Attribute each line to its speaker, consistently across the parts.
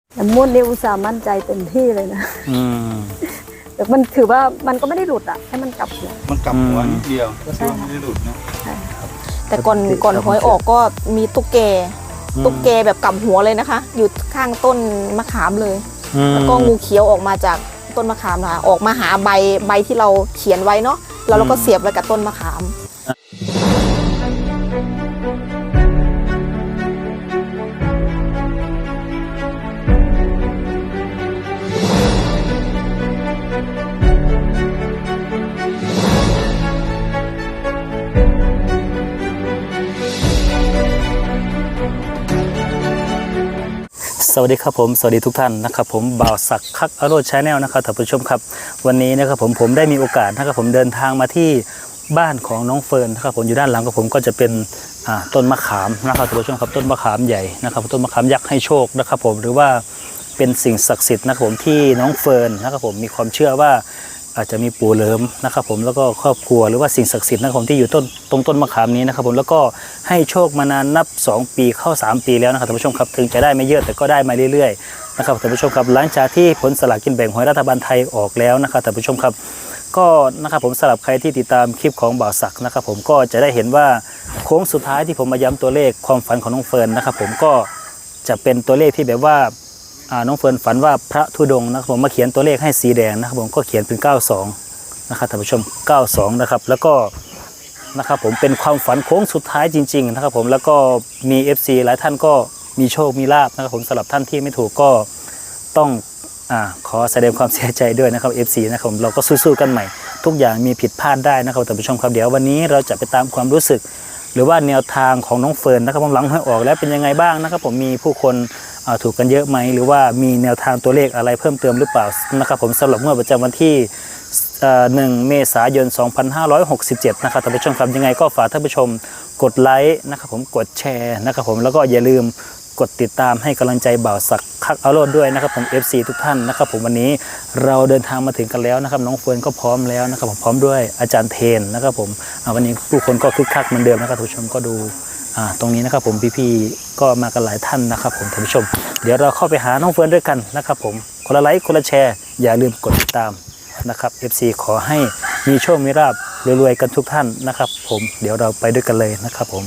Speaker 1: แต่ม้วนนี่อุตส่าห์มั่นใจเต็มที่เลยนะแต่มันถือว่ามันก็ไม่ได้หลุดอ่ะให้มันกลับหัว
Speaker 2: มันกลับหัวนิดเดียวก็ถือว่าไม่ได้หลุดนะ
Speaker 3: แต่ก่อนหวยออกก็มีตุ๊กแกแบบกลับหัวเลยนะคะอยู่ข้างต้นมะขามเลยแล้วก็งูเขียวออกมาจากต้นมะขามค่ะออกมาหาใบที่เราเขียนไว้เนาะแล้วเราก็เสียบไว้กับต้นมะขาม
Speaker 4: สวัสดีครับผมสวัสดีทุกท่านนะครับผมบ่าวศักดิ์คักอโรจน์ชาแนลนะครับท่านผู้ชมครับวันนี้นะครับผมได้มีโอกาสนะครับผมเดินทางมาที่บ้านของน้องเฟิร์นนะครับผมอยู่ด้านหลังของผมก็จะเป็นต้นมะขามนะครับท่านผู้ชมครับต้นมะขามใหญ่นะครับต้นมะขามยักษ์ให้โชคนะครับผมหรือว่าเป็นสิ่งศักดิ์สิทธิ์นะครับผมที่น้องเฟิร์นนะครับผมมีความเชื่อว่าอาจจะมีปู่เหลิมนะครับผมแล้วก็ครอบครัวหรือว่าสิ่งศักดิ์สิทธิ์นะครับผมที่อยู่ตรงต้นมะขามนี้นะครับผมแล้วก็ให้โชคมานานนับ2 ปีเข้า3 ปีแล้วนะครับท่านผู้ชมครับถึงจะได้ไม่เยอะแต่ก็ได้มาเรื่อยๆนะครับท่านผู้ชมครับหลังจากที่ผลสลากกินแบ่งหวยรัฐบาลไทยออกแล้วนะครับท่านผู้ชมครับก็นะครับผมสำหรับใครที่ติดตามคลิปของบ่าวศักดิ์นะครับผมก็จะได้เห็นว่าโค้งสุดท้ายที่ผมมาย้ำตัวเลขความฝันของน้องเฟิร์นนะครับผมก็จะเป็นตัวเลขที่แบบว่าน้องเฟิร์นฝันว่าพระธุดงค์นะครับผมมาเขียนตัวเลขให้สีแดงนะครับผมก็เขียนเป็น92นะครับท่านผู้ชม92นะครับแล้วก็นะครับผมเป็นความฝันโค้งสุดท้ายจริงๆนะครับผมแล้วก็มี FC หลายท่านก็มีโชคมีลาภนะครับผมสำหรับท่านที่ไม่ถูกก็ต้องขอแสดงความเสียใจด้วยนะครับ FC นะครับผมเราก็สู้ๆกันใหม่ทุกอย่างมีผิดพลาดได้นะครับท่านผู้ชมครับเดี๋ยววันนี้เราจะไปตามความรู้สึกหรือว่าแนวทางของน้องเฟิร์นนะครับผมหลังหวยออกแล้วเป็นยังไงบ้างนะครับผมมีผู้คนถูกกันเยอะไหมหรือว่ามีแนวทางตัวเลขอะไรเพิ่มเติมหรือเปล่านะครับผมสำหรับงวดประจำวันที่1 เมษายน 2567นะครับท่านผู้ชมครับยังไงก็ฝากท่านผู้ชมกดไลค์นะครับผมกดแชร์นะครับผมแล้วก็อย่าลืมกดติดตามให้กำลังใจบ่าวศักดิ์คักอโรจน์ด้วยนะครับผม FC ทุกท่านนะครับผมวันนี้เราเดินทางมาถึงกันแล้วนะครับน้องเฟิร์นก็พร้อมแล้วนะครับผมพร้อมด้วยอาจารย์เทนนะครับผมวันนี้ผู้คนก็คึกคักเหมือนเดิมนะครับท่านผู้ชมก็ดูตรงนี้นะครับผมพี่ๆก็มากันหลายท่านนะครับผมท่านผู้ชมเดี๋ยวเราเข้าไปหาน้องเฟิร์นด้วยกันนะครับผมคนละไลค์คนละแชร์อย่าลืมกดติดตามนะครับ FC ขอให้มีโชคมีลาภรวยๆกันทุกท่านนะครับผมเดี๋ยวเราไปด้วยกันเลยนะครับผม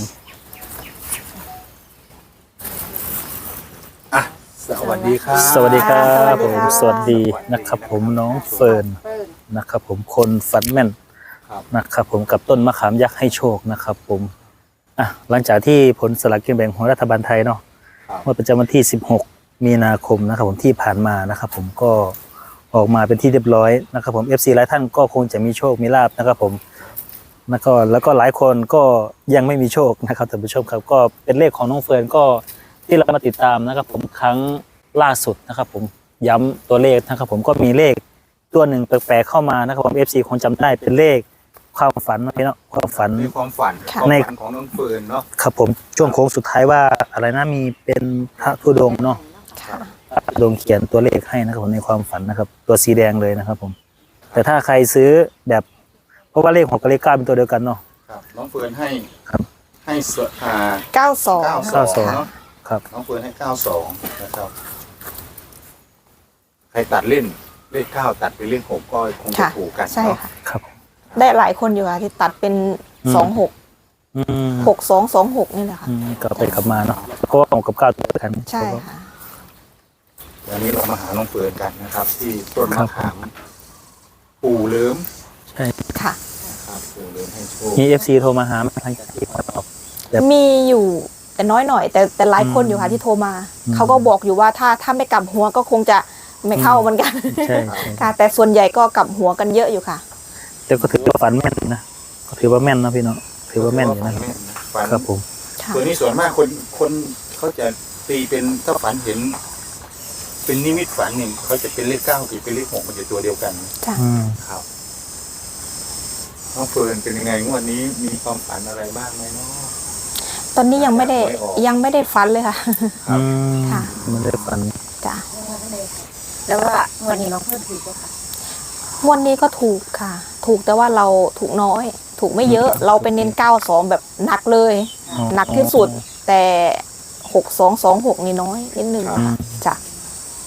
Speaker 2: สวัสดีครับ
Speaker 4: สวัสดีครับผมสวัสดีนะครับผมน้องเฟิร์นนะครับผมคนฝันแม่นนะครับผมกับต้นมะขามยักษ์ให้โชคนะครับผมหลังจากที่ผลสลากกินแบ่งของรัฐบาลไทยเนาะเมื่อประจำวันที่16 มีนาคมนะครับผมที่ผ่านมานะครับผมก็ออกมาเป็นที่เรียบร้อยนะครับผม FC หลายท่านก็คงจะมีโชคมีลาภนะครับผมแล้วก็หลายคนก็ยังไม่มีโชคนะครับท่านผู้ชมครับก็เป็นเลขของน้องเฟิร์นก็ที่เรามาติดตามนะครับผมครั้งล่าสุดนะครับผมย้ำตัวเลขนะครับผมก็มีเลขตัวหนึ่งแปลกๆเข้ามานะครับผม FC คงจำได้เป็นเลขความฝันนะพี่เนาะความฝันใน
Speaker 2: ของน้องเฟิร์นเนาะ
Speaker 4: ครับผมช่วงโค้งสุดท้ายว่าอะไรนะมีเป็นพระธุดงค์เนาะพระธุดงค์เขียนตัวเลขให้นะครับผมในความฝันนะครับตัวสีแดงเลยนะครับผมแต่ถ้าใครซื้อแบบเพราะว่าเลข6กับเลข9เป็นตัวเดียวกันเนาะ
Speaker 2: น้องเฟิร์นให้
Speaker 3: 92
Speaker 4: ครับ
Speaker 2: น้องเฟิร์นให้92นะครับใครตัดเล่นเลข9ตัดเป็นเลข6ก็คงจะถูกกัน
Speaker 3: ใช่ค่ะ
Speaker 4: ครับ
Speaker 3: ได้หลายคนอยู่ค่ะที่ตัดเป็น26 6226นี่แหละค่ะ
Speaker 4: ก็ไปกลับมาเนาะเพราะว่า6กับ9ตัวกัน
Speaker 3: ใช่ค่ะ
Speaker 2: วันนี้เรามาหาน้องเฟิร์นกันนะครับที่ต้นมะขามปู่เหลิม
Speaker 4: ใช่
Speaker 3: ค่ะ
Speaker 2: ครับปู่เหลิมให้โชค
Speaker 4: มี FC โทรมาหาทางที่
Speaker 3: มีอยู่แต่น้อยหน่อยแต่หลายคนอยู่ค่ะที่โทรมาเขาก็บอกอยู่ว่าถ้าไม่กลับหัวก็คงจะไม่เข้าเหมือนกัน
Speaker 4: ใช่
Speaker 3: ค่ะแต่ส่วนใหญ่ก็กลับหัวกันเยอะอยู่ค่ะ
Speaker 4: แต่ก็ถือว่าฝันแม่นนะก็ถือว่าแม่นนะพี่เนาะถือว่าแม่นอยู่นะครับผม
Speaker 2: ตัวนี้ส่วนมากคนเขาจะตีเป็นถ้าฝันเห็นเป็นนิมิตฝันเนี่ยเขาจะเป็นเลข9กับเป็นเลข6มันจะตัวเดียวกันครับน้องเฟิร์นเป็นยังไงงวดนี้มีความฝันอะไรบ้างไหมเนาะ
Speaker 3: ตอนนี้ยังไม่ได้ฝันเลยค่ะ
Speaker 4: ค่ะไม่ได้ฝัน
Speaker 3: จ้ะ
Speaker 1: แล้วว่าวันนี้น้องเฟิร์นถูกป่ะคะ
Speaker 3: วันนี้ก็ถูกค่ะถูกแต่ว่าเราถูกน้อยถูกไม่เยอะเราเป็นเน้น92แบบหนักเลยหนักที่สุดแต่6226นี่น้อยนิดนึงจ้ะ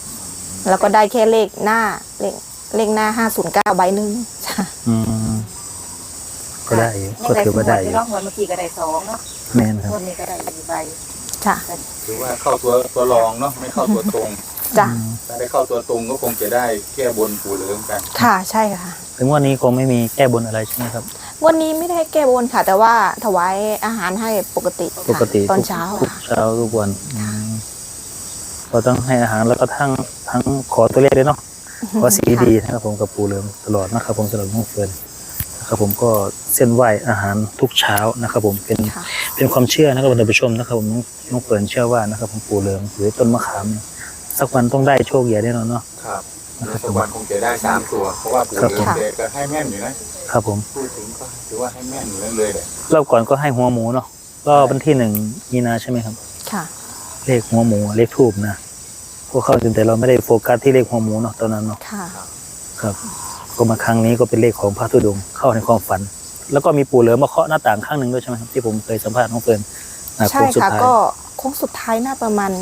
Speaker 3: แล้วก็ได้แค่เลขหน้าเลขหน้า509ใบหนึ่งจ้ะ
Speaker 4: ก็ได้อยู่ก็ถือว่าได้อยู่
Speaker 1: รอบวันเมื่อกี้ก็ได้2เนาะ
Speaker 4: แม่นครับ
Speaker 1: วันนี้ก็ได้อีกใบ
Speaker 3: จ้ะ
Speaker 2: ถือว่าเข้าตัวรองเนาะไม่เข้าตัวตรง
Speaker 3: จ้ะ
Speaker 2: ถ้าได้เข้าตัวตรงก็คงจะได้แก้บนปู่เหลืองกัน
Speaker 3: ค่ะใช่ค่ะ
Speaker 4: ถึงวันนี้คงไม่มีแก้บนอะไรใช่ไหมครับ
Speaker 3: วันนี้ไม่ได้แก้บนค่ะ แต่ว่าถวายอาหารให้ปกติค่ะ
Speaker 4: ปกติ
Speaker 3: ตอนเช้า
Speaker 4: ทุก
Speaker 3: ค่ะ
Speaker 4: เช้าทุกวันเราต้องให้อาหารแล้วก็ทั้งขอตัวเลขด้วยเนาะขอสีดีนะครับผมกับปู่เหลืองตลอดนะครับผมสำหรับน้องเฟิร์นนะครับผมก็เส้นไหวอาหารทุกเช้านะครับผมเป็นความเชื่อนะครับท่านผู้ชมนะครับผมน้องเฟิร์นเชื่อว่านะครับผมปู่เหลืองหรือต้นมะขามเนี่ยสักวันต้องได้โชคใหญ่แน่นอนเนาะ
Speaker 2: ครับสักวันคงจะได้3ตัวเพราะว่าปู่เหลืองเด็กก็ให้แม่นอยู่นะครับ
Speaker 4: ผม
Speaker 2: พูดถึงก็ถือว่าให้แม่นอยู่เลยแหละ
Speaker 4: รอบก่อนก็ให้หัวหมูเนาะก็วันที่1 มีนาใช่ไหมครับ
Speaker 3: ค่ะ
Speaker 4: เลขหัวหมูเลขทูบนะพวกเข้าจนแต่เราไม่ได้โฟกัสที่เลขหัวหมูเนาะตอนนั้นเนาะ
Speaker 3: ค่ะ
Speaker 4: ครับก็มาครั้งนี้ก็เป็นเลขของพระธุดงค์เข้าในความฝัน แล้วก็มีปู่เหลือมาเคาะหน้าต่างข้างหนึ่งด้วยใช่ไหมครับที่ผมเคยสัมภาษณ์น้องเฟิร์น
Speaker 3: ใช่
Speaker 4: โงสุด
Speaker 3: ค่ะ
Speaker 4: ท้าย
Speaker 3: ก็โค้งสุดท้ายน่าประมาณ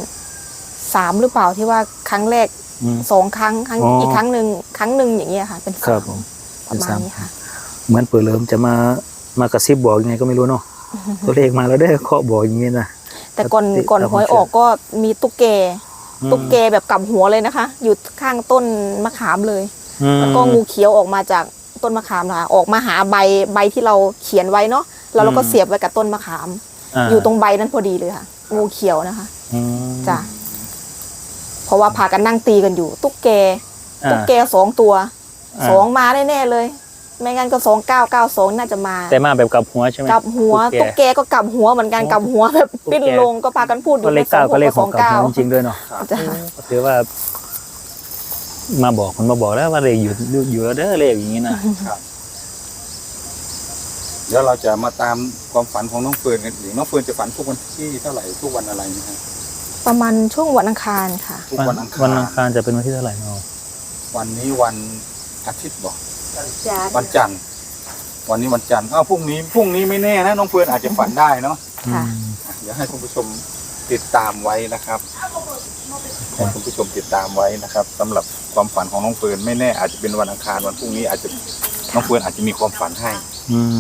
Speaker 3: 3หรือเปล่าที่ว่าครั้งแรก
Speaker 4: อืม
Speaker 3: 2 ครั้ง
Speaker 4: อ๋ออี
Speaker 3: อีกครั้งหนึ่งอย่างเงี้ยค่ะ เป็น
Speaker 4: ครับ
Speaker 3: 3
Speaker 4: ผม
Speaker 3: ประมาณนี้ค่ะ
Speaker 4: เหมือนปู่เหลือจะมากระซิบบอกยังไงก็ไม่รู้เนาะตัวเลขมาแล้วได้อเคาะบอกอย่างนี้นะ
Speaker 3: แต่ก่อน
Speaker 4: ครับ
Speaker 3: ก่อนหวยออกก็มีตุ๊กแก
Speaker 4: อืม
Speaker 3: ตุ๊กแกแบบกลับหัวเลยนะคะ อยู่ข้างต้นมะขามเลย
Speaker 4: อืม
Speaker 3: แล้วก็งูเขียวออกมาจากต้นมะขามนะคะออกมาหาใบที่เราเขียนไว้เนาะแล้วเราก็เสียบไว้กับต้นมะขาม อยู่ตรงใบนั้นพอดีเลยค่ะ งูเขียวนะคะ
Speaker 4: อืม
Speaker 3: จ้ะเพราะว่าพากันนั่งตีกันอยู่ ตุ๊กแก
Speaker 4: อ่า
Speaker 3: ตุ๊กแก2 ตัว
Speaker 4: อ่า
Speaker 3: 2มาแน่ๆเลย ไม่งั้นก็2992น่าจะมา
Speaker 4: แต่มาแบบกลับหัวใช่ไหม
Speaker 3: กลับหัว ตุ๊กแกก็กลับหัวเหมือนกันกลับหัวแบบ
Speaker 4: ตุ๊กแก
Speaker 3: ปิ้นลงก็พากันพูด
Speaker 4: ก็เลข9ก็เลขของกลับหัวจริงๆด้วยเนาะ
Speaker 3: จ้ะ
Speaker 4: ก็ถือว่า มาบอกมันมาบอกแล้วว่าเลขอยู่แล้วเด้อเลขอย่างนี้นะ
Speaker 2: เดี๋ยวเราจะมาตามความฝันของน้องเฟิร์นกันอีกน้องเฟิร์นจะฝันทุกวันที่เท่าไหร่ทุกวันอะไรนะฮะ
Speaker 3: ประมาณช่วงวันอังคารค่ะ
Speaker 2: ทุกวันอังคาร
Speaker 4: วันอังคารจะเป็นวันที่เท่าไหร่เนาะ
Speaker 2: วันนี้วันอาทิตย์บอกวันจันทร์วันนี้วันจันทร์พรุ่งนี้ไม่แน่นะน้องเฟิร์นอาจจะฝันได้เนาะ
Speaker 3: ค่ะ
Speaker 2: เดี๋ยวให้คุณผู้ชมติดตามไว้นะครับให้คุณผู้ชมติดตามไว้นะครับสำหรับความฝันของน้องเฟิร์นไม่แน่อาจจะเป็นวันอังคารวันพรุ่งนี้อาจจะน้องเฟิร์นอาจจะมีความฝันให้
Speaker 4: อืม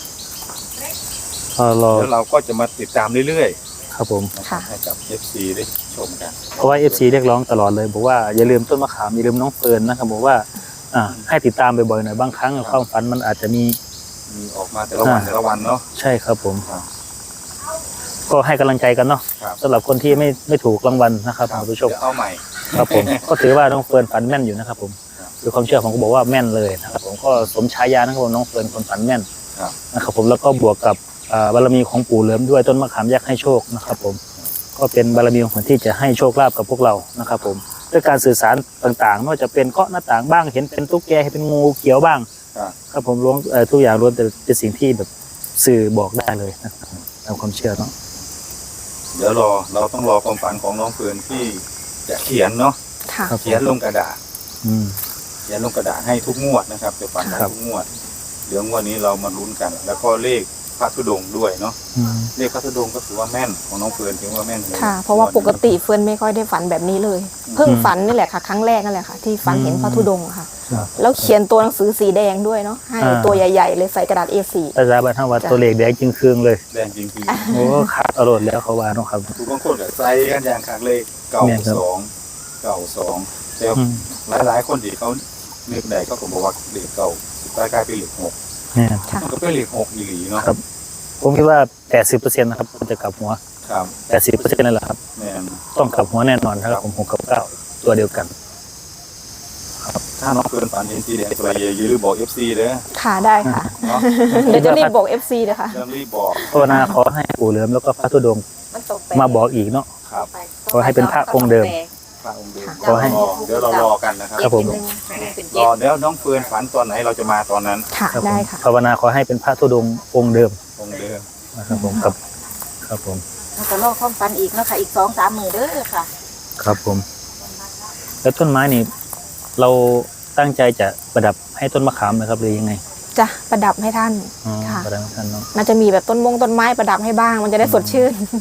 Speaker 4: ก็รอ
Speaker 2: แล้วเราก็จะมาติดตามเรื่อย
Speaker 4: ครับผม
Speaker 2: ๆนะครั
Speaker 3: ค่ะ
Speaker 2: บให้กับ FC ได้ชมกัน
Speaker 4: เพราะว่า FC เรียกร้องตลอดเลยบอกว่าอย่าลืมต้นมะขามอย่าลืมน้องเฟิร์นนะครับบอกว่าให้ติดตามบ่อยๆหน่อยบางครั้งความฝันมันอาจจะมี
Speaker 2: มีออกมาแต่ละวันแต่ละวันเนาะ
Speaker 4: ใช่ครับผม
Speaker 2: ครับ
Speaker 4: ก็ให้กำลังใจกันเนาะ
Speaker 2: ครับ
Speaker 4: สำหรับคนที่ไม่ถูกรางวัลนะครับคุณผู้ชม
Speaker 2: เดี๋ยวเอาใหม่
Speaker 4: ครับผม ก็ถือว่าน้องเฟิร์นฝันแม่นอยู่นะครับผม
Speaker 2: ครับ
Speaker 4: ด้วยความเชื่อผมก็บอกว่าแม่นเลยนะครับผมก็สมฉายานะครับผมน้องเฟิร์นคนฝันแม่น
Speaker 2: ครับ
Speaker 4: นะครับผมแล้วก็บวกกับบารมีของปู่เหลิมด้วยต้นมะขามยักษ์ให้โชคนะครับผมก็เป็นบารมีของคนที่จะให้โชคลาภกับพวกเรานะครับผมด้วยการสื่อสารต่างๆไม่ว่าจะเป็นเคาะหน้าต่างบ้างเห็นเป็นตุ๊กแกเห็นเป็นงูเขียวบ้าง
Speaker 2: ครับ
Speaker 4: ครับผมล้วนทุกอย่างล้วนแต่เป็นสิ่งที่แบบสื่อบอกได้เลยนะครับตามความเชื่อเนาะ
Speaker 2: เดี๋ยวเราต้องรอความฝันของน้องเฟิร์นที่จะเขียนเนาะ
Speaker 3: ค่ะ
Speaker 4: ครับ
Speaker 2: เขียนลงกระดาษ
Speaker 4: อืม
Speaker 2: เขียนลงกระดาษให้ทุกงวดนะครับจะฝันให้
Speaker 4: ครับ
Speaker 2: ทุกงวดเดี๋ยวงวดนี้เรามาลุ้นกัน แล้วก็เลขพระธุดงค์ด้วยเนาะ
Speaker 4: อืม
Speaker 2: เลขพระธุดงค์ก็ถือว่าแม่นของน้องเฟิร์นถือว่าแม่นเลย
Speaker 3: ค่ะ เพราะว่าปกติเฟิร์นไม่ค่อยได้ฝันแบบนี้เลย เพิ่งฝันนี่แหละค่ะ ครั้งแรกนั่นแหละค่ะ ที่ฝันเห็นพระธุดงค์ค่ะ
Speaker 4: ครับ
Speaker 3: แล้วเขียนตัวหนังสือสีแดงด้วยเนาะให้
Speaker 4: อ่า
Speaker 3: ตัวใหญ่ๆเลยใส่กระดาษ A4
Speaker 4: ภาษาบ้านเฮาว่า
Speaker 3: จ้ะ
Speaker 4: ตัวเลขแดงจึงคืองเลย
Speaker 2: แดงจริง
Speaker 4: โอ้ขาดอรรถแล้วเขาว่าเนาะครับ
Speaker 2: ๆทุกบางคนก็ใส่กันอย่างขากเลขเก่า
Speaker 4: แม่นครับ
Speaker 2: สองเก่าสองแต่
Speaker 4: อืม
Speaker 2: หลายๆคนที่เขาเลือกใดเขาก็บอกว่าเลขเก่าสุดท้ายกลายเป็นเลขหก
Speaker 4: เนี่ย
Speaker 3: ค่ะ
Speaker 2: มันก็เป็นเลขหกอีหลีเนาะ
Speaker 4: ครับ ผมคิดว่า 80%นะครับมันจะกลับหัว
Speaker 2: ครับ
Speaker 4: 80%นั่นแหละครับ
Speaker 2: แม่น
Speaker 4: ต้องกลับหัวแน่นอนนะครับผม6กับ9ตัวเดียวกัน
Speaker 2: ถ้าน้องเฟิร์นฝันเห็นสีแดงตัวใหญ่อย่าลืมบอก FC เด้อ
Speaker 3: ค่ะได้ค่ะ
Speaker 2: เนาะ
Speaker 3: เดี๋ยวจะรีบบอก FC เลยค่ะ
Speaker 2: เริ่มรีบบอก
Speaker 4: ภาวนาขอให้ปู่เหลิมแล้วก็พระธุดงค์
Speaker 1: มันตกไป
Speaker 4: มาบอกอีกเนาะ
Speaker 2: ครับ
Speaker 4: ขอให้เป็นพระองค์เดิม
Speaker 2: พระองค์เดิม
Speaker 4: ขอให้
Speaker 2: เดี๋ยวเรารอกันนะครับ
Speaker 4: ครับผม
Speaker 2: รอเดี๋ยวน้องเฟิร์นฝันตอนไหนเราจะมาตอนนั้น
Speaker 3: ค่ะ
Speaker 4: ครับผม
Speaker 3: ได้ค่ะ
Speaker 4: ภาวนาขอให้เป็นพระธุดงค์องค์เดิม
Speaker 2: องค์เดิม
Speaker 4: นะครับผมกับครับผม
Speaker 1: แล้วก็รอความฝันอีกเนาะค่ะอีก2-3 มื้อเด้อค่ะ
Speaker 4: ครับผม แล้วต้นไม้นี่ เราตั้งใจจะประดับให้ต้นมะขามนะครับหรือยังไง
Speaker 3: จะประดับให้ท่าน
Speaker 4: อ๋อ
Speaker 3: ค่ะ
Speaker 4: ประดับให้ท่านเนาะ
Speaker 3: มันจะมีแบบต้นไม้ประดับให้บ้าง มันจะได้สดชื่น
Speaker 2: อืม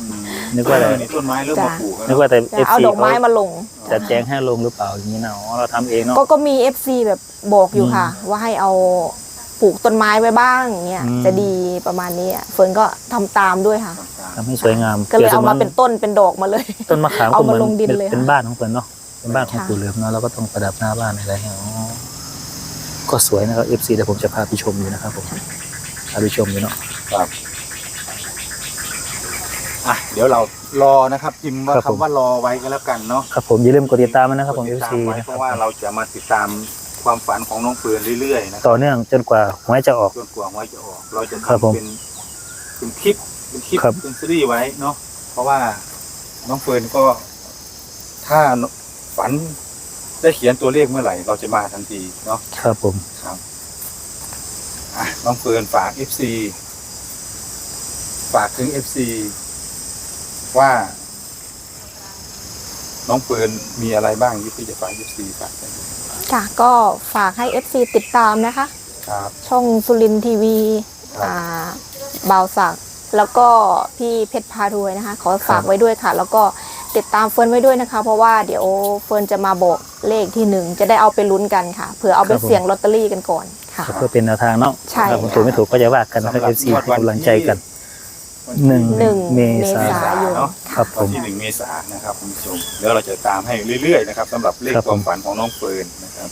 Speaker 4: นึกว่าแต่
Speaker 2: นี่ต้นไม้เริ่มมาปลูกแล้ว
Speaker 4: นึกว่าแต่
Speaker 3: จะเอา
Speaker 4: FC
Speaker 3: ดอกไม้มาลง
Speaker 4: จะแจ้งให้ลงหรือเปล่าอย่างนี้นะอ๋อเราทำเองเนาะ
Speaker 3: ก็มี FC แบบบอกอยู่ค่ะ ว่าให้เอาปลูกต้นไม้ไว้บ้างเนี่ย
Speaker 4: อืม
Speaker 3: จะดีประมาณนี้เฟิร์นก็ทำตามด้วยค่ะ
Speaker 4: ทำให้สวยงาม
Speaker 3: ก็เลยเอามาเป็นต้นเป็นดอกมาเลย
Speaker 4: ต้นมะขาม
Speaker 3: เอา
Speaker 4: ก็เห
Speaker 3: มา
Speaker 4: มือน
Speaker 3: ลงดินเลย
Speaker 4: เป็น
Speaker 3: ค่ะ
Speaker 4: บ้านของเพิ่นเนาะเป็นบ้านของ
Speaker 3: ค่ะ
Speaker 4: ปู่เหลือมเนาะเราก็ต้องประดับหน้าบ้านอะไรอย่างเงี้ยอ๋อก็สวยนะครับ FC เดี๋ยวผมจะพาไปชมอยู่นะครับผมพาไปชมอยู่เนาะ
Speaker 2: ครับอ่ะเดี๋ยวเรารอนะครับพิมพ์ว่า
Speaker 4: ครับผม
Speaker 2: คำว่ารอไว้ก็แล้วกันเนาะ
Speaker 4: ครับผมอย่าลืมกดติดตามมันนะครับผม
Speaker 2: ติดตา
Speaker 4: FC
Speaker 2: มไว้
Speaker 4: นะค
Speaker 2: เพ
Speaker 4: รับ
Speaker 2: ราะว่าเราจะมาติดตามความฝันของน้องเฟิร์นเรื่อยๆนะค
Speaker 4: ต่
Speaker 2: รับ
Speaker 4: อเนื่องจนกว่าหวยจะออก
Speaker 2: จนกว่าหวยจะออก เราจะ
Speaker 4: ครับผม
Speaker 2: ทำเป็นคลิป
Speaker 4: ครับ
Speaker 2: เป็นซีรีส์ไว้เนาะเพราะว่าน้องเฟิร์นก็ถ้าฝันได้เขียนตัวเลขเมื่อไหร่ เราจะมาทันทีเนาะ
Speaker 4: ครับผม
Speaker 2: ครับอ่ะน้องเฟิร์นฝาก FC ฝากถึง FC ว่า น้องเฟิร์นมีอะไรบ้างที่จะฝาก FC ฝากกัน
Speaker 3: ค่ะก็ฝากให้ FC ติดตามนะคะ
Speaker 2: ครับ
Speaker 3: ช่องสุรินทร์ทีวี
Speaker 2: ครับ
Speaker 3: บ่าวศักดิ์แล้วก็พี่เพชรพารวยนะคะ ขอฝากไว้ด้วยค่ะ แล้วก็ติดตามเฟิร์นไว้ด้วยนะคะ เพราะว่าเดี๋ยวเฟิร์นจะมาบอกเลขที่หนึ่งจะได้เอาไปลุ้นกันค่ะเผื่อเอาไปเสี่ยงลอตเตอรี่กันก่อนค่ะ
Speaker 4: เพื่อเป็นแนวทางเนาะ
Speaker 3: ใช่
Speaker 4: ถ้าผมถูกไม่ถูกก็จะว่ากันนะครับ FC ให้กำลังใจกัน หนึ่ง เมษายน
Speaker 2: เนาะ
Speaker 4: ครับผ
Speaker 2: วัน
Speaker 4: ม
Speaker 2: ที่1 เมษายนนะครับคุณผู้ชมเดี๋ยวเราจะตามให้เรื่อยๆนะครับสำหรับเลข
Speaker 4: ครับ
Speaker 2: ค
Speaker 4: ผม
Speaker 2: วามฝันของน้องเฟิร์นนะครับ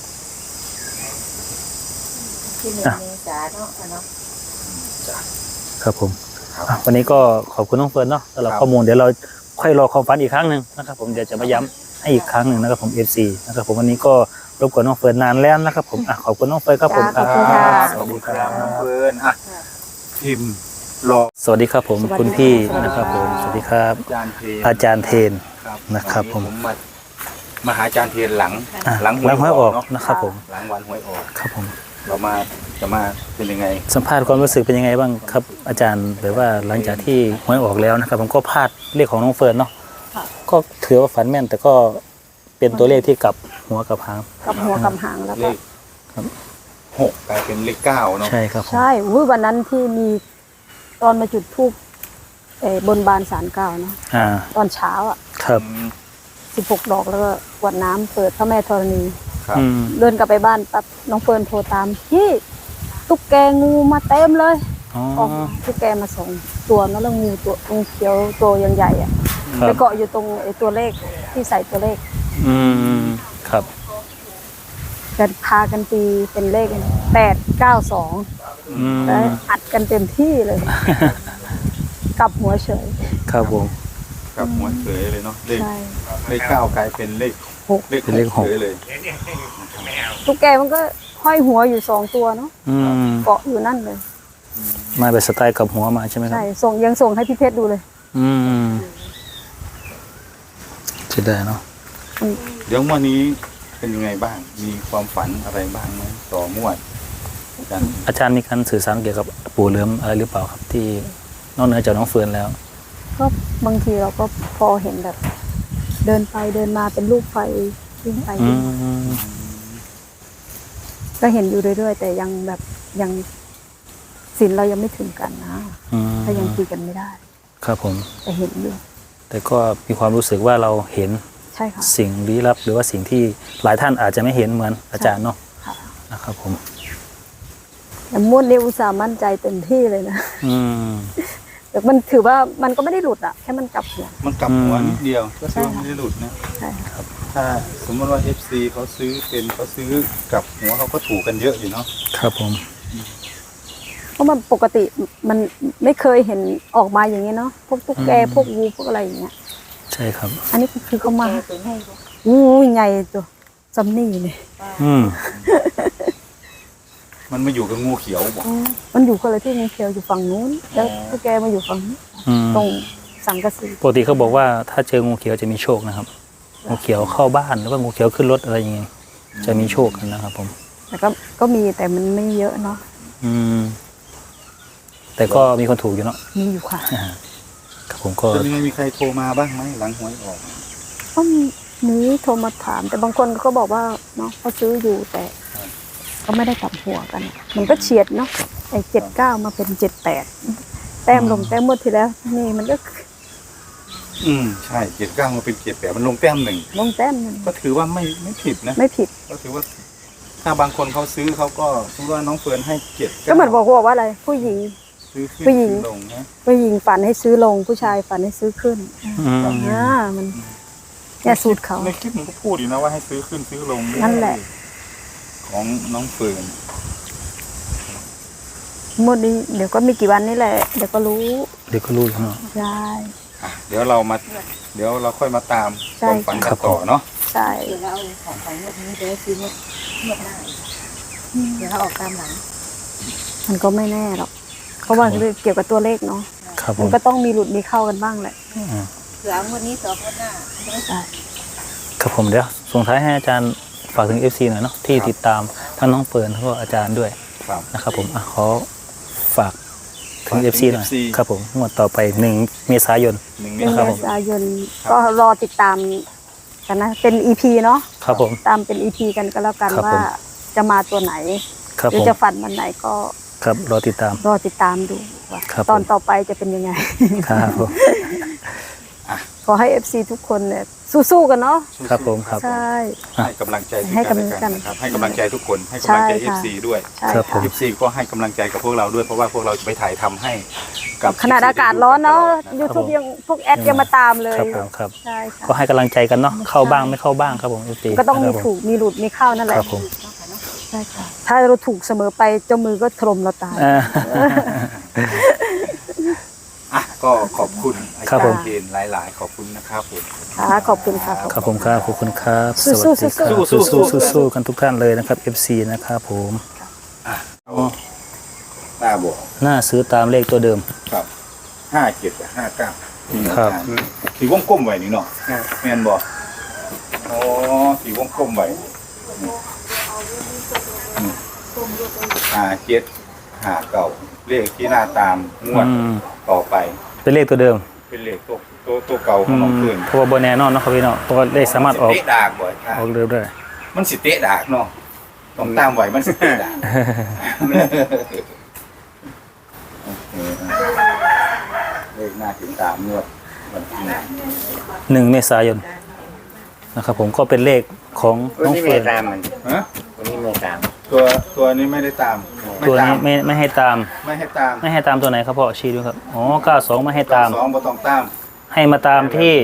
Speaker 5: ที่1
Speaker 4: อ่ะ
Speaker 5: เมษายนเนาะค่ะเนาะ
Speaker 4: ครับผม
Speaker 2: ครับ
Speaker 4: อ่ะวันนี้ก็ขอบคุณน้องเฟิร์นเนาะสำหรับ
Speaker 2: ครับ
Speaker 4: ข้อมูลเดี๋ยวเราค่อยรอความฝันอีกครั้งหนึ่งนะครับผมเดี๋ยวจะมาย้ำให้อีกครั้งหนึ่งนะครับผม FC นะครับผมวันนี้ก็รบกวนน้องเฟิร์นนานแล้วนะครับผมอ่ะขอบคุณน้องเฟิร์นครับผม
Speaker 3: ขอบคุณค่ะ
Speaker 2: สวัสดีครับน้องเฟิร์นอ่ะพิมพ์รอ
Speaker 4: สวัสดีครับผมคุณพี่นะครับผมสวัสดีครับ
Speaker 2: อาจารย์เทน
Speaker 4: อาจารย์เทน
Speaker 2: ครับ
Speaker 4: นะครับผม
Speaker 2: มาหาอาจารย์เทียนหลัง
Speaker 4: อ่ะ
Speaker 2: หลัง
Speaker 4: หลังหวยออก
Speaker 2: เนาะ
Speaker 4: นะครับผม
Speaker 2: หลังวันหวยออก
Speaker 4: ครับผม
Speaker 2: เรามาจะมาเป็นยังไง
Speaker 4: สัมภาษณ์ความรู้สึกเป็นยังไงบ้างครับ อาจารย์แบบว่าหลังจากที่หวยออกแล้วนะครับ ผมก็พลาดเลขของน้องเฟิร์นเนาะก็ถือว่าฝันแม่น แต่ก็เป็นตัวเลขที่กลับหัวกลับหาง
Speaker 1: กับหัวกับหางแล้ว
Speaker 2: เล
Speaker 1: ก็
Speaker 2: ข6กลายเป็นเลข9เนาะ
Speaker 4: ใช่ครับผม
Speaker 1: ใช่วันนั้นที่มีตอนมาจุดธูปบนบานศาลเก่าเนาะ
Speaker 4: อ่า
Speaker 1: ตอนเช้าอ่ะ
Speaker 4: ครับ
Speaker 1: 16 ดอกแล้วก็กวดน้ำเปิดพระแม่ธรณี
Speaker 2: ครับ
Speaker 4: อืม
Speaker 1: เดินกลับไปบ้านปั๊บน้องเฟิร์นโทรตามพี่ตุ๊กแกงูมาเต็มเลย
Speaker 4: อ๋อ
Speaker 1: ออกตุ๊กแกมาส่งตัวเนอะแล้วงูเขียวตัวยังใหญ่อ่ะ
Speaker 4: ครับ
Speaker 1: ไปเกาะอยู่ตรงไอ้ตัวเลขที่ใส่ตัวเลข
Speaker 4: อืมครับ
Speaker 1: กันพากันตีเป็นเลข892
Speaker 4: อืม
Speaker 1: แล้วอัดกันเต็มที่เลย กลับหัวเฉย
Speaker 4: ครับผม
Speaker 2: กับหัวเฉยเลยเนาะเลข
Speaker 1: ใช่
Speaker 2: เลข9กลายเป็นเลข
Speaker 1: หก
Speaker 2: เลข
Speaker 4: เป็นเลข
Speaker 2: 6เฉยเลย
Speaker 1: ตุ๊กแกมันก็ห้อยหัวอยู่2 ตัวเนาะ
Speaker 4: อืม
Speaker 1: เกาะอยู่นั่นเลย
Speaker 4: มาแบบสไตล์กับหัวมาใช่ไหมครับ
Speaker 1: ใช่ยังส่งให้พี่เพชรดูเลย
Speaker 4: อืมจะได้เนาะ
Speaker 2: เดี๋ยวงวันนี้เป็นยังไงบ้าง มีความฝันอะไรบ้างไหมต่องวดกัน
Speaker 4: อาจารย์มีการสื่อสารเกี่ยวกับปู่เหลือมอะไรหรือเปล่าครับ ที่นอกเหนือจากน้องเฟิร์นแล้ว
Speaker 1: ก็บางทีเราก็พอเห็นแบบ เดินไปเดินมาเป็นรูปไฟวิ่งไป
Speaker 4: อื
Speaker 1: วิ่งมาม ก็เห็นอยู่เรื่อยๆแต่ยังแบบยังศีลเรายังไม่ถึงกันนะ
Speaker 4: อืม
Speaker 1: ถ้ายังคุยกันไม่ได้
Speaker 4: ครับผม
Speaker 1: แต่เห็นอยู่
Speaker 4: แต่ก็มีความรู้สึกว่าเราเห็น
Speaker 1: ใช่ค่ะ
Speaker 4: สิ่งลี้ลับ หรือว่าสิ่งที่หลายท่านอาจจะไม่เห็นเหมือนอาจารย์เนาะ
Speaker 1: ค่ะ
Speaker 4: นะครับผม
Speaker 1: แต่ม้วนนี้อุตส่าห์มั่นใจเต็มที่เลยนะ
Speaker 4: อืม
Speaker 1: แต่มันถือว่ามันก็ไม่ได้หลุดอะแค่มันกลับหัว
Speaker 2: มันกลับหัว
Speaker 4: อืม
Speaker 2: นิดเดียวก็ถือว่า
Speaker 1: ใช่ค่ะ
Speaker 2: ไม่ได้หลุดนะ
Speaker 1: ใช่ค่ะ
Speaker 2: ถ้าสมมติว่า FC เขาซื้อกับหัวเขาก็ถูกกันเยอะอยู่เนาะ
Speaker 4: ครับผม
Speaker 1: เพราะมันปกติมันไม่เคยเห็นออกมาอย่างนี้เนาะพวกตุ๊กแกพวกงูพวกอะไรอย่างเงี้ย
Speaker 4: ใช่ครับ
Speaker 1: อันนี้คือเขามา
Speaker 5: แกเป็นให้บ่
Speaker 1: อู้ยใหญ่ตัวซัมนี่เลย
Speaker 4: อืม
Speaker 2: มันมาอยู่กับงูเขียวบอก
Speaker 1: มันอยู่คนละที่งูเขียวอยู่ฝั่งนู้นแล้วตุ๊กแกมาอยู่ฝั่งนี้
Speaker 4: อืม
Speaker 1: ตรงสังกะสี
Speaker 4: ปกติเขาบอกว่าถ้าเจองูเขียวจะมีโชคนะครับ งูเขียวเข้าบ้านหรือว่างูเขียวขึ้นรถอะไรอย่างเงี้ยจะมีโชคกันนะครับผม
Speaker 1: แต่ก็มีแต่มันไม่เยอะเนาะ
Speaker 4: อืม แต่ก็มีคนถูกอยู่เนาะ
Speaker 1: มีอยู่ค่ะ
Speaker 4: ครับผมก็
Speaker 2: จะมีใครโทรมาบ้างไหมหลังหวยออก
Speaker 1: ก็มีโทรมาถาม แต่บางคนก็บอกว่าเนาะเขาซื้ออยู่แต่ ก็ไม่ได้กลับหัวกัน มันก็เฉียดเนาะไอ้79มาเป็น78แต้มลงแต้มหมดทีแล้ว นี่มันก็
Speaker 2: ใช่เจ็ดเก้ามันเป็น78มันลงแต้มหนึ่ง
Speaker 1: ลงแต้มหนึ่ง
Speaker 2: ก็ถือว่าไม่ผิดนะ
Speaker 1: ไม่ผิด
Speaker 2: ก็ถือว่า ถ้าบางคนเขาซื้อเขาก็สมมติว่าน้องเฟิร์นให้7
Speaker 1: ก็เหมือนบอกว่าอะไร ผู้หญิง
Speaker 2: ซื้อขึ้น
Speaker 1: ผู้หญิง
Speaker 2: ซื้อลงนะ
Speaker 1: ผู้หญิงฝันให้ซื้อลง ผู้ชายฝันให้ซื้อขึ้น มันเนี่ยสูตรเขา
Speaker 2: ในคลิปมันก็พูดอยู่นะว่าให้ซื้อขึ้นซื้อลง
Speaker 1: นั่นแหละ
Speaker 2: ของน้องเฟิร์น
Speaker 1: หมดนี้เดี๋ยวก็มีกี่วันนี่แหละ เดี๋ยวก็รู้
Speaker 4: เดี๋ยวก็รู้แล้วเนาะ
Speaker 1: ได้
Speaker 2: เดี๋ยวเราค่อยมาตาม
Speaker 1: ใช่
Speaker 2: ความฝันกันต่อเนาะ
Speaker 1: ใช่
Speaker 5: เดี๋ยวเราเอาของงวดนี้เดี๋ยวซื้องวดหน้าเดี๋ยวเราออกตามหลัง
Speaker 1: มันก็ไม่แน่หรอกเพราะว่าเกี่ยวกับตัวเลขเนาะ
Speaker 4: ครับผ
Speaker 1: มัน
Speaker 4: ม
Speaker 1: ก็ต้องมีหลุดมีเข้ากันบ้างแหละ
Speaker 5: เผื่องวดนี้ต่องวดหน้า
Speaker 1: ใช่
Speaker 4: ครับผมเดี๋ยวส่งท้ายให้อาจารย์ฝากถึง FC หน่อยเนาะที่ติดตามทั้งน้องเฟิร์นแล้วก็อาจารย์ด้วย
Speaker 2: ครับ
Speaker 4: นะครับผมขอฝากถึง FC หน่อย
Speaker 2: FC
Speaker 4: ครับผมงวดต่อไป1 เมษายน
Speaker 2: 1 เม
Speaker 1: เดือน
Speaker 2: ษา
Speaker 1: เม
Speaker 2: ยน
Speaker 1: ษายนก็รอติดตามกันนะ เป็น EP เนาะ
Speaker 4: ครับผม
Speaker 1: ตามเป็น EP กันก็แล้วกัน
Speaker 4: ครับ
Speaker 1: ว่า
Speaker 4: ผม
Speaker 1: จะมาตัวไหน
Speaker 4: ครับ
Speaker 1: หรือ
Speaker 4: ผม
Speaker 1: จะฝันวันไหนก็
Speaker 4: ครับรอติดตาม
Speaker 1: รอติดตามดูว่า
Speaker 4: ครับ
Speaker 1: ตอน
Speaker 4: ผม
Speaker 1: ต่อไปจะเป็นยังไง
Speaker 4: ครับผม
Speaker 1: ขอให้ FC ทุกคนเนี่ยสู้ๆกันเนาะ
Speaker 4: ครับผมครับ
Speaker 1: ใช่
Speaker 2: ให้กำลังใจซึ่ง
Speaker 1: ให้
Speaker 2: กัน
Speaker 1: กำลั
Speaker 2: และ
Speaker 1: ง
Speaker 2: กันนะครับให้กำลังใจทุกคนให้กำลังใจ
Speaker 1: ใช่ค่ะ
Speaker 2: FC ด้วย
Speaker 1: ใช่
Speaker 4: ครับผ
Speaker 1: ค่ะ
Speaker 4: ม
Speaker 2: FC ก็ให้กำลังใจกับพวกเราด้วยเพราะว่าพวกเราจะไปถ่ายทำให้กับ
Speaker 1: ขนาดอากาศร้อนเนาะ
Speaker 2: ครับ
Speaker 1: YouTube ยังพวกแอดยังมาตามเลย
Speaker 4: ครับผมครับ
Speaker 1: ใช่ค่ะ
Speaker 4: ก็ให้กำลังใจกันเนาะเข้าบ้างไม่เข้าบ้างครับผม FC
Speaker 1: ก็ต้องมี
Speaker 4: ครับผ
Speaker 1: ถูกมีหลุดมีเข้านั่นแหละ
Speaker 4: ครับผม
Speaker 1: ใช่ค่ะถ้าเราถูกเสมอไปเจ้ามือก็ถล่มเราตาย
Speaker 2: อ่ะก็ขอบคุณอา
Speaker 4: ครั
Speaker 2: จา
Speaker 4: บผม
Speaker 2: รย์เจนหลายๆขอบคุณนะครับผม
Speaker 1: ค่ะขอบคุณค่ะ
Speaker 4: ครับผมครับขอบคุณครับส
Speaker 1: สู้
Speaker 4: วัสดีครับ
Speaker 2: สู้ๆ
Speaker 4: สู้ๆกันทุกท่านเลยนะครับ FC นะครับผม
Speaker 2: ตาบอก
Speaker 4: น่าซื้อตามเลขตัวเดิม
Speaker 2: ครับ57กับ59
Speaker 4: ครับ
Speaker 2: สีวงกลมไว้นี่เนาะแม่นบ่อ๋อสีวงกลมไว้57 59เลขที่หน้าตามงวด
Speaker 4: อืม
Speaker 2: ต่อไป
Speaker 4: เป็นเลขตัวเดิม
Speaker 2: เป็นเลขตัวเก่าของน้องเพื่อน
Speaker 4: เพราะว่าบนแน่นอนเนาะครับพี่เนาะเพราะว่าเลขสามารถออก
Speaker 2: เตะดากบ่อย
Speaker 4: ออกเร็วได้
Speaker 2: มันสิเตะดากเนาะต้องตามไว้มันสิเตะดากโอเคเลขหน้าถึงตามงวดวันที่
Speaker 4: 1 เมษายนนะครับผมก็เป็นเลขของน้องเฟิร์น
Speaker 2: ฮะ
Speaker 6: วันนี้ไม่ตาม
Speaker 2: ตัวนี้ไม่ได้ตาม
Speaker 4: ตัวนี้ไม่ให้ตาม
Speaker 2: ไม่ให้ตาม
Speaker 4: ไม่ให้ตามตัวไหนครับพ่อชี้ด้วยครับอ๋อ92ไม่ให้ตาม
Speaker 2: สองบ่ต้องตาม
Speaker 4: ให้มาตามที่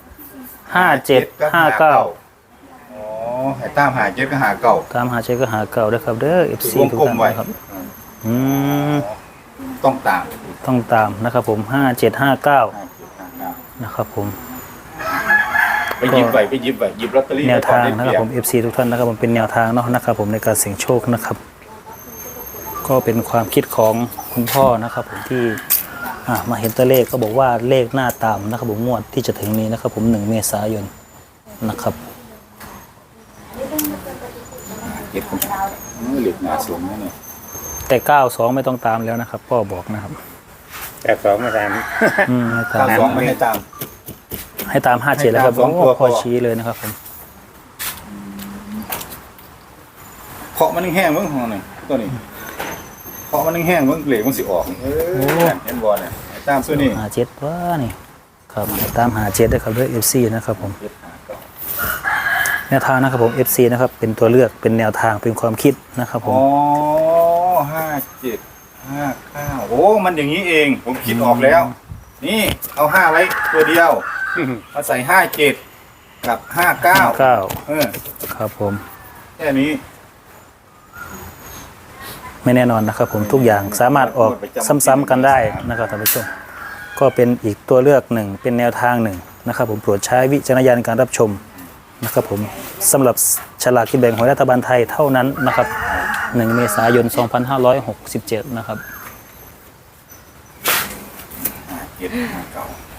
Speaker 4: 57 59
Speaker 2: อ๋อให้ตามหา7ก็หาเก่า
Speaker 4: ตามหาเช็คก็หาเก่าด้วยครับเด้อ FC
Speaker 2: วง
Speaker 4: ทุก
Speaker 2: กลม
Speaker 4: ท่าน
Speaker 2: ไว้
Speaker 4: นะครับอืม
Speaker 2: ต้องตาม
Speaker 4: ต้องตามนะครับผม5759นะครับผม
Speaker 2: ไปหยิบไว้ไปหยิบไว้หยิบลอตเตอรี่
Speaker 4: แนวทาง
Speaker 2: ไว้
Speaker 4: นะ
Speaker 2: ก่อ
Speaker 4: ครับ
Speaker 2: ได้
Speaker 4: ผม FC ทุกท่านนะครับผมเป็นแนวทางเนาะนะครับผมในการเสี่ยงโชคนะครับ ก็เป็นความคิดของคุณพ่อนะครับผมที่มาเห็นตัวเลขก็บอกว่าเลขหน้าตามนะครับผมงวดที่จะถึงนี้นะครับผม1 เมษายนนะครับ
Speaker 2: เก็บคนเหล็กหนาสูงนะเนี่ย
Speaker 4: แต่92ไม่ต้องตามแล้วนะครับพ่อบอกนะครับ
Speaker 6: แต่สองไม่ตาม
Speaker 4: ไม่ตาม
Speaker 2: 92ไม่ให้ตาม
Speaker 4: ให้ตาม57แล้วครับ
Speaker 2: ให้ตามสองตัว
Speaker 4: พ่อ
Speaker 2: พอ
Speaker 4: ชี้เลยนะครับผม
Speaker 2: เคาะมันแห้งๆเบิ่งของนี่ตัวนี้เคาะมันแห้งๆเบิ่งเหล็กมันสิออกเห็นบ่เนี่ยให้ตามตัวนี้
Speaker 4: 57ว่านี่ครับตาม57ด้วยครับด้วย FC นะครับผมแนวทางนะครับผม FC นะครับเป็นตัวเลือกเป็นแนวทางเป็นความคิดนะครับผม
Speaker 2: อ๋อ57 59โอ้มันอย่างนี้เอง ผมคิดออกแล้ว นี่เอา5ไว้ตัวเดียวมาใส่57กับ59
Speaker 4: 9ครับผม
Speaker 2: แค่นี้
Speaker 4: ไม่แน่นอนนะครับผมทุกอย่างสามารถออกซ้ำๆกันได้นะครับท่านผู้ชมก็เป็นอีกตัวเลือกหนึ่งเป็นแนวทางหนึ่งนะครับผมโปรดใช้วิจารณญาณในการรับชมนะครับผมสำหรับฉลากกินแบ่งของรัฐบาลไทยเท่านั้นนะครับ1 เมษายน 2567 นะครับ
Speaker 2: 57 59